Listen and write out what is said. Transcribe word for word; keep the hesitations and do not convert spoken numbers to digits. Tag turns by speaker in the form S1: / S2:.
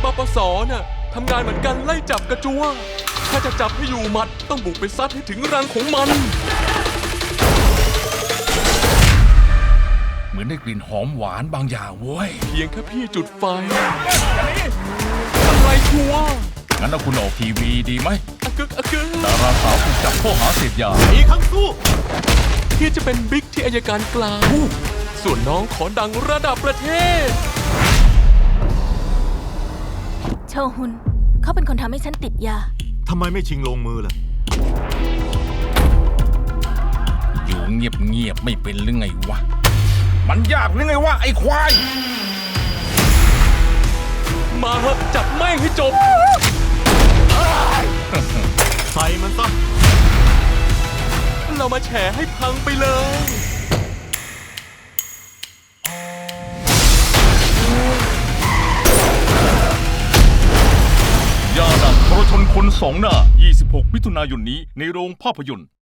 S1: ปสน่ะทำงานเหมือนกันไล่จับกระจัวถ้าจะจับให้อยู่หมัดต้องบุกไปซัดให้ถึงรังของมัน
S2: เหมือนได้กลิ่นหอมหวานบางอย่างเว้ย
S1: เพียงแค่พี่จุดไฟอะไรชัวร์
S2: งั้นเอาคุณออกทีวีดีไหม
S1: อะกึกอะกึก
S2: ดาราสาวถูกจับข้อหาเสพยา
S3: อีกครั้งสู้
S1: พี่จะเป็นบิ๊กที่อัยการกลางส่วนน้องขอดังระดับประเทศ
S4: โชฮุนเขาเป็นคนทำให้ฉันติดยา
S3: ทำไมไม่ชิงลงมือล่ะ
S2: อยู่เงียบๆไม่เป็นหรือไงวะ มันยากหรือไงวะไอ้ควาย
S1: มาเหอะจับแม่งให้จบ
S3: ใส่มันซะ
S1: เรามาแฉให้พังไปเลย
S2: ยาดังทรชนคนสองหน้า ยี่สิบหก มิถุนายนนี้ในโรงภาพยนตร์